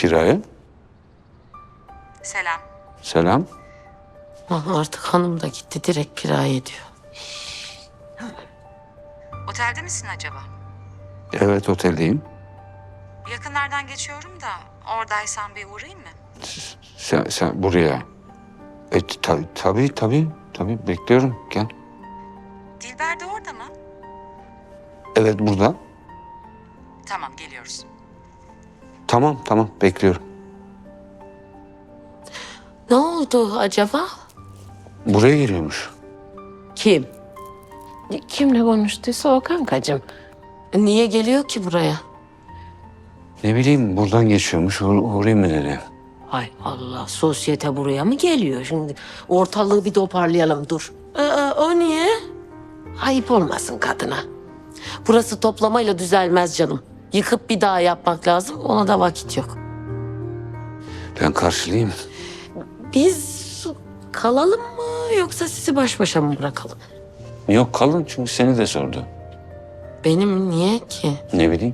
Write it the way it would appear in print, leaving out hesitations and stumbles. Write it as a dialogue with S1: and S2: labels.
S1: kiraya.
S2: Selam.
S1: Selam.
S3: Artık hanım da gitti, direkt kiraya diyor.
S2: Otelde misin acaba?
S1: Evet, oteldeyim.
S2: Yakınlardan geçiyorum da oradaysan bir uğrayayım mı?
S1: Sen buraya. Tabii bekliyorum. Gel.
S2: Dilber de orada mı?
S1: Evet, burada.
S2: Tamam, geliyoruz.
S1: Tamam bekliyorum.
S3: Ne oldu acaba?
S1: Buraya geliyormuş.
S3: Kim?
S4: Kimle konuştuysa o kankacığım.
S3: Niye geliyor ki buraya?
S1: Ne bileyim, buradan geçiyormuş. Uğrayayım mı dedi.
S3: Hay Allah, sosyete buraya mı geliyor? Şimdi ortalığı bir toparlayalım, dur. O niye? Ayıp olmasın kadına. Burası toplamayla düzelmez canım. Yıkıp bir daha yapmak lazım, ona da vakit yok.
S1: Ben karşılayayım.
S3: Biz kalalım mı yoksa sizi baş başa mı bırakalım?
S1: Yok, kalın, çünkü seni de sordu.
S3: Benim niye ki?
S1: Ne bileyim.